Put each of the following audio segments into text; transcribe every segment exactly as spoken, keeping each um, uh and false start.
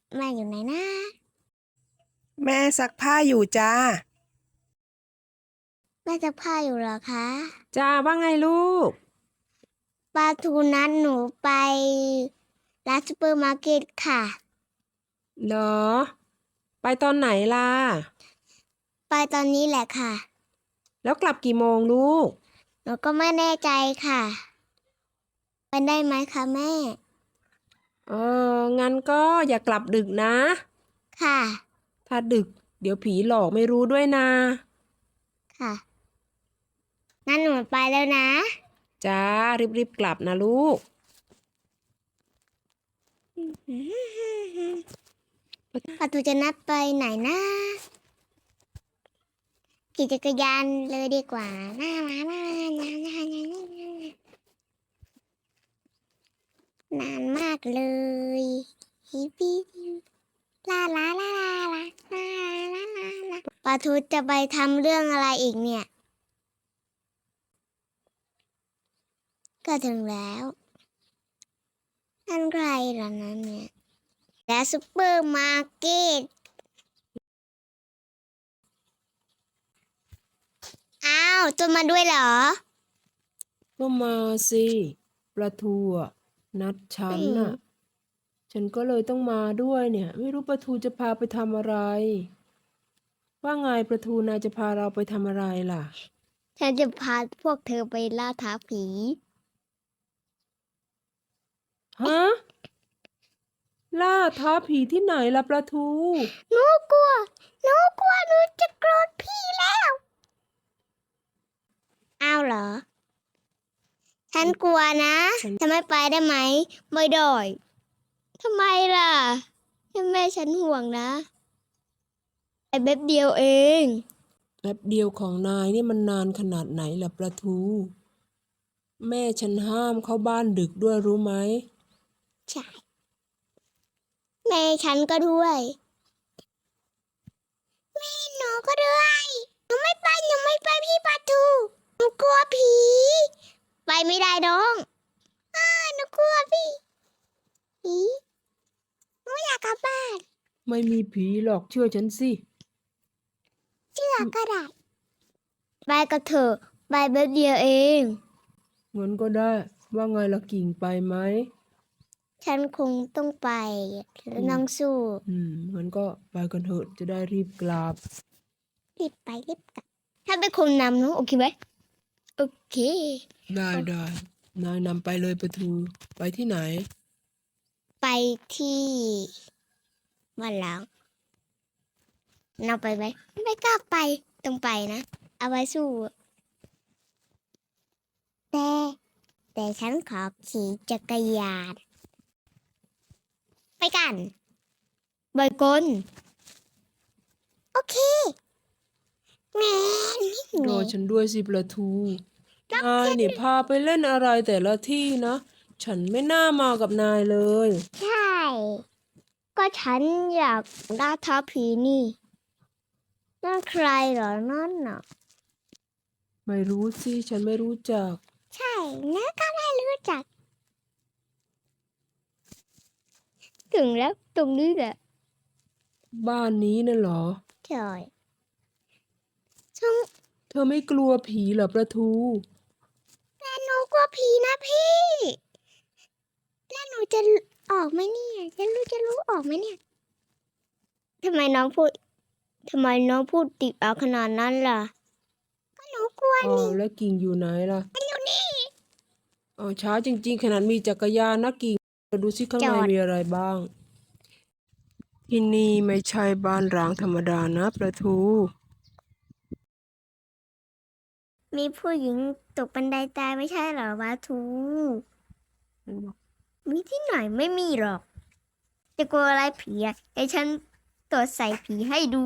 แม่อยู่ไหนนะแม่ซักผ้าอยู่จ้าแม่ซักผ้าอยู่เหรอคะจ้าว่าไงลูกปลาทูนัดหนูไปร้านซูเปอร์มาร์เก็ตค่ะเหรอไปตอนไหนล่ะไปตอนนี้แหละค่ะแล้วกลับกี่โมงลูกหนูก็ไม่แน่ใจค่ะไปได้ไหมคะแม่เอองั้นก็อย่ากลับดึกนะค่ะถ้าดึกเดี๋ยวผีหลอกไม่รู้ด้วยนะค่ะงั้นหนูไปแล้วนะจ้ารีบๆกลับนะลูกปลาทูจะนัดไปไหนนะขี่จักรยานเลยดีกว่าน่ารักน่ารักน่ารักนานมากเลยฮิปปี้ลาลาลาลาลาลาลาลาลาปาทูจะไปทำเรื่องอะไรอีกเนี่ยก็ถึงแล้วนั่นใครล่ะนั้นเนี่ยและซุปเปอร์มาร์เก็ตอ้าวตัวมาด้วยเหรอก็มาสิปลาทูอะนัดฉันน่ะฉันก็เลยต้องมาด้วยเนี่ยไม่รู้ปลาทูจะพาไปทำอะไรว่าไงปลาทูนายจะพาเราไปทำอะไรล่ะฉันจะพาพวกเธอไปล่าท้าผีฮะล่าท้าผีที่ไหนล่ะปลาทูหนูกลัวหนูกลัวหนูจะโกรธพี่แล้วอ้าวเหรอฉันกลัวนะจะไม่ไปได้ไหมไม่ได้ทำไมล่ะแม่ฉันห่วงนะไอ้เบ็บเดียวเองแป๊บเดียวของนายนี่มันนานขนาดไหนล่ะปลาทูแม่ฉันห้ามเข้าบ้านดึกด้วยรู้ไหมใช่แม่ฉันก็ด้วยแม่หนูก็ด้วยหนูไม่ไปหนูไม่ไปพี่ปลาทูหนูกลัวผีไปไม่ได้น้องอ้าหนูกลัวพี่ผีหนูอยากกลับบ้านไม่มีผีหรอกเชื่อฉันสิเชื่อก็ได้ไปกับเธอไปแป๊บเดียวเองงั้นก็ได้ว่าไงล่ะกิ่งไปไหมฉันคงต้องไปแล้วน้องสู้อืมงั้นก็ไปกันเถอะจะได้รีบกลับรีบไปรีบกลับถ้าเป็นคนนำน้องโอเคไหมโอเคได้ได้นายนำไปเลยปะทูไปที่ไหนไปที่บ้านล้างเราไปไหมไม่กล้าไปต้องไปนะเอาไว้สู้แต่แต่ฉันขอขี่จักรยานไปกันบอยกลโอเคแม่รอฉันด้วยสิปลาทูนายนี่พาไปเล่นอะไรแต่ละที่นะฉันไม่น่ามากับนายเลยใช่ก็ฉันอยากล่าท้าผีนี่นั่นใครเหรอนั่นน่ะไม่รู้สิฉันไม่รู้จักใช่นะก็ไม่รู้จักถึงแล้วตรงนี้แหละบ้านนี้น่ะเหรอใช่ช่องเธอไม่กลัวผีเหรอปลาทูแต่หนูกลัวผีนะพี่แล้วหนูจะออกไหมเนี่ยจะรู้จะรู้ออกไหมเนี่ยทำไมน้องพูดทำไมน้องพูดติดเอาขนาดนั้นล่ะก็หนูกลัวอ้านี่วแล้วกิ่งอยู่ไหนล่ะมันอยู่นี่อ๋อช้าจริงๆขนาดมีจักรยานนะกิ่งดูสิข้างในมีอะไรบ้างที่นี่ไม่ใช่บ้านร้างธรรมดานะประทูมีผู้หญิงตกบันไดตายไม่ใช่เหรอวาทูมีที่ไหนไม่มีหรอกจะกลัวอะไรผีอ่ะไอ้ฉันตรวจใส่ผีให้ดู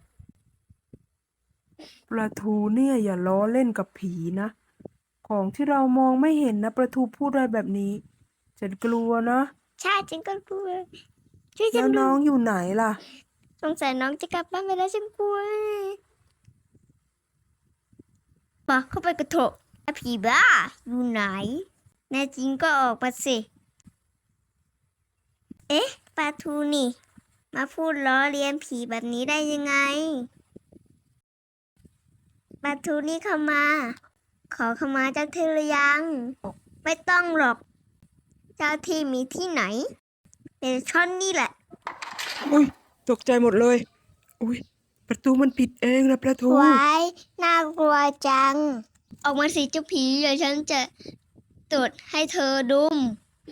ประทูเนี่ยอย่าล้อเล่นกับผีนะของที่เรามองไม่เห็นนะประทูพูดอะไรแบบนี้ฉันกลัวนะใช่ฉันก็กลัวช่วยฉัแล้วนดูน้องอยู่ไหนล่ะสงสัยน้องจะกลับบ้านไปแล้วฉันกลัวมาเข้าไปกระโถกผีบ้าอยู่ไหนแน่จริงก็ออกมาสิเอ๊ะปลาทูนี่มาพูดล้อเลียนผีแบบนี้ได้ยังไงปลาทูนี่เข้ามา ขอเข้ามาเจ้าที่หรือยัง ไม่ต้องหรอก เจ้าที่มีที่ไหนเป็นช่อนนี่แหละอุ้ยตกใจหมดเลย อุ้ยประตูมันปิดเองนะประตูไว้น่ากลัวจัง ออกมาสิเจ้าผีเดี๋ยวฉันจะตรวจให้เธอดุม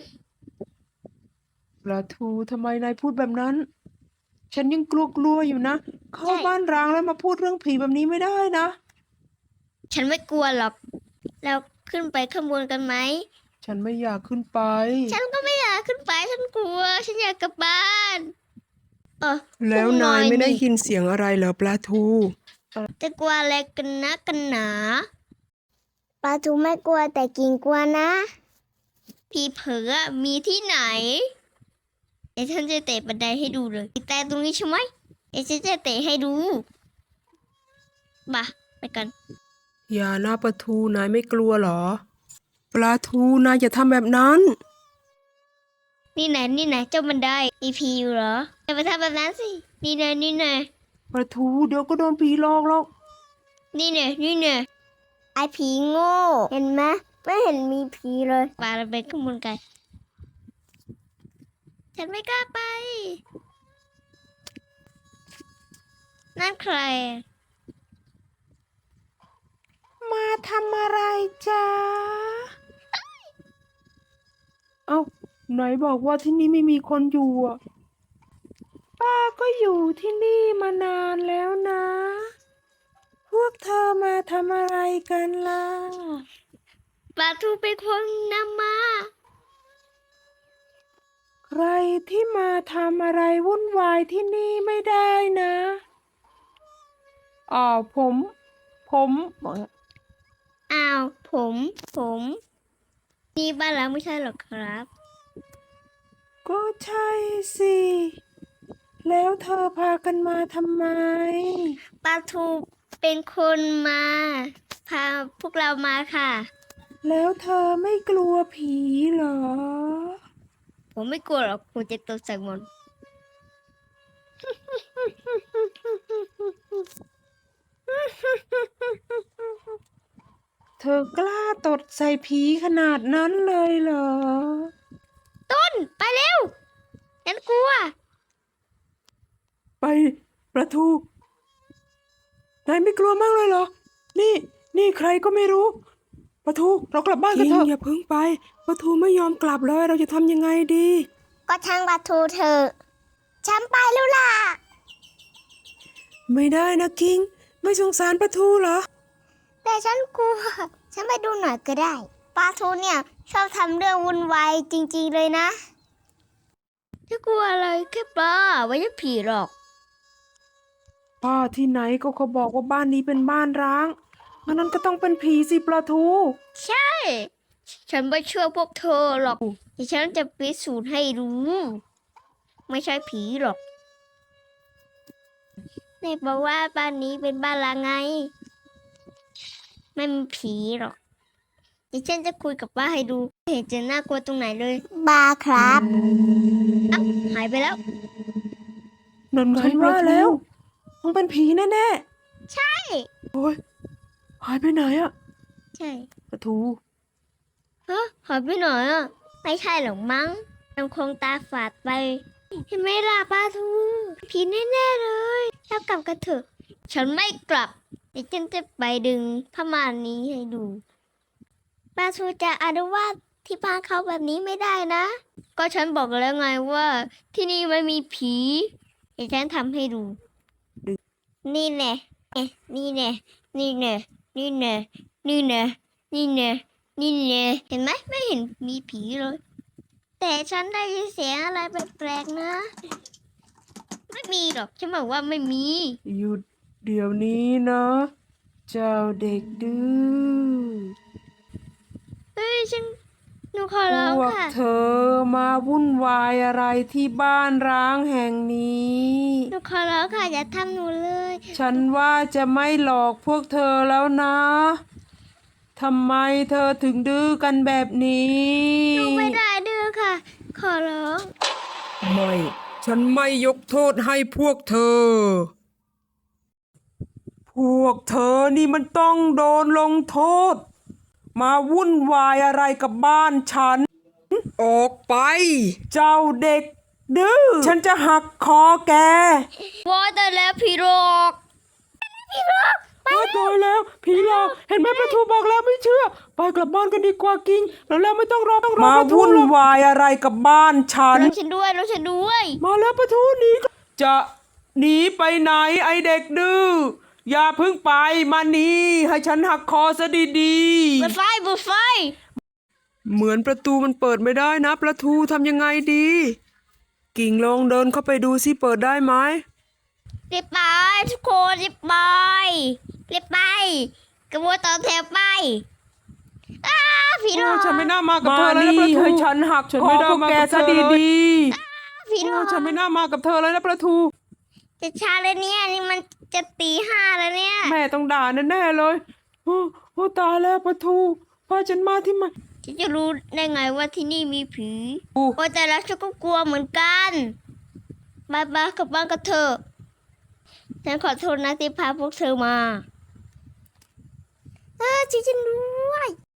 ประตูทำไมนายพูดแบบนั้น ฉันยังกลัวๆอยู่นะ เข้าบ้านร้างแล้วมาพูดเรื่องผีแบบนี้ไม่ได้นะฉันไม่กลัวหรอก เราขึ้นไปข้างบนกันไหมฉันไม่อยากขึ้นไปฉันก็ไม่อยากขึ้นไป ฉันกลัว ฉันอยากกลับบ้าน เออแล้วพวกนายไม่ได้นี่ยินเสียงอะไรเหรอปลาทูจะกลัวอะไรกันนะกันหนาปลาทูไม่กลัวแต่กินกลัวนะ พี่เผือมีที่ไหนเดี๋ยวฉันจะเตะบันไดให้ดูเลยแต่ตรงนี้ใช่ไหมเดี๋ยวฉันจะเตะให้ดูมาไปกันอย่านะปลาทูนายไม่กลัวเหรอ ปลาทูนายอย่าทำแบบนั้นนี่ไหนนี่ไหนเจ้าบันไดมีพีอยู่เหรออย่าไปทำแบบนั้นสินี่ไหนนี่ไหนปลาทูเดี๋ยวก็โดนผีหลอกหรอกนี่ไหนนี่ไหนไอผีโง่เห็นไหมไม่เห็นมีผีเลยปาระเบิดขึ้นบนกันฉันไม่กล้าไปนั่นใครมาทำอะไรจ๊ะ เอ้าไหนบอกว่าที่นี่ไม่มีคนอยู่อ่ะ ป้าก็อยู่ที่นี่มานานแล้วนะ พวกเธอมาทำอะไรกันล่ะปลาทูเป็นคนนำมาใครที่มาทำอะไรวุ่นวายที่นี่ไม่ได้นะอ่าวผม ผมอ้าวผมผมนี่บ้านเราไม่ใช่หรอกครับก็ใช่สิ แล้วเธอพากันมาทำไมปลาทูเป็นคนมา พาพวกเรามาค่ะแล้วเธอไม่กลัวผีเหรอผมไม่กลัวหรอกผมจะตกใส่มนต์เธอกล้าตดใส่ผีขนาดนั้นเลยเหรอต้นไปเร็วฉันกลัวไปประทูนายไม่กลัวมากเลยเหรอ นี่ นี่ใครก็ไม่รู้ ประทูเรากลับบ้านกันเถอะอย่าเพิ่งไป ประทูไม่ยอมกลับเลยเราจะทำยังไงดีก็ช่างปลาทูเถอะฉันไปแล้วล่ะไม่ได้นะคิง ไม่สงสารประทูเหรอแต่ฉันกลัว ฉันไปดูหน่อยก็ได้ปลาทูเนี่ยชอบทำเรื่องวุ่นวายจริงๆเลยนะจะกลัวอะไรแค่ปลาไม่ใช่ผีหรอกป้าที่ไหนก็เขาบอกว่าบ้านนี้เป็นบ้านร้างงั้นนั้นก็ต้องเป็นผีสิประทูใช่ ฉันไม่เชื่อพวกเธอหรอกแต่ฉันจะพิสูจน์ให้รู้ ไม่ใช่ผีหรอกในบอกว่าบ้านนี้เป็นบ้านละไง ไม่มีผีหรอกเดี๋ยวฉันจะคุยกับป้าให้ดูไม่เห็นจะน่ากลัวตรงไหนเลยบาครับอ้าวหายไปแล้วนั่นไงฉันว่าแล้วต้องเป็นผีแน่ๆใช่โอ้ยหายไปไหนอะใช่ประทูฮะหายไปไหนอ่ะไม่ใช่หรอกมั้งยังคงตาฝาดไปเห็นไหมล่ะป้าทูผีแน่ๆเลยแล้วกลับกันเถอะ ฉันไม่กลับเดี๋ยวฉันจะไปดึงผ้าม่านนี้ให้ดูป้าทูจะอนุวาตที่บ้านเขาแบบนี้ไม่ได้นะ ก็ฉันบอกแล้วไงว่า ที่นี่ไม่มีผีเดี๋ยวฉันทำให้ดู นี่แน่เอ๊ะนี่แน่นี่แน่นี่แน่นี่แน่นี่แน่นี่แน่เห็นไหมไม่เห็นมีผีเลย แต่ฉันได้ยินเสียงอะไรแปลกๆนะ ไม่มีหรอกฉันบอกว่าไม่มีหยุดเดี๋ยวนี้นะ เจ้าเด็กดื้อเฮ้ยฉันหนูขอพร้องวกค่ะเธอมาวุ่นวายอะไรที่บ้านร้างแห่งนี้หนูขอร้องค่ะอย่าทำหนูเลยฉันว่าจะไม่หลอกพวกเธอแล้วนะทำไมเธอถึงดื้อกันแบบนี้หนูไม่ได้ดื้อค่ะ ขอร้องไม่ ฉฉันไม่ยกโทษให้พวกเธอ พวกเธอนี่มันต้องโดนลงโทษ มาวุ่นวายอะไรกับบ้านฉัน ออกไป เจ้าเด็กดื้อ ฉันจะหักคอแกว่าแต่แล้วพี่โรกพี่โรกไปโอ้ยตายแล้วผีหลอกเห็นไหมประตูบอกแล้วไม่เชื่อ ไปกลับบ้านกันดีกว่ากิ้งแล้วแล้วไม่ต้องรอต้องรอมาวุ่นวายอะไรกับบ้านฉันรถฉันด้วยรถฉันด้วยมาแล้วประตูหนีจะหนีไปไหนไอเด็กดื้ออย่าเพิ่งไปมานี่ให้ฉันหักคอซะดีเปิดไฟเปิดไฟๆเหมือนประตูมันเปิดไม่ได้นะประตูทำยังไงดี กิ่งลองเดินเข้าไปดูซิเปิดได้ไหมรีบไปทุกคนรีบไปรีบไปกระโดดต่อแถวไปอ้าพี่โรโอ้กฉันไม่น่ามากับเธอเลยนะประตูให้ฉันหักฉันไม่ได้มากับเธอเลยพี่โรโอ้กฉันไม่น่ามากับเธอเลยนะประตูจะช้าเลยเนี่ยนี่มันจะตีห้าแล้วเนี่ยแม่ต้องด่าแน่ๆเลยโอ้โอ้ตายแล้วประตูพาฉันมาที่ไหนฉันจะรู้ได้ไงว่าที่นี่มีผีโอ้โอ้แต่แล้วฉันก็กลัวเหมือนกันบายบายกลับบ้านกันเถอะฉันขอโทษนะที่พาพวกเธอมา เออจริงๆด้วย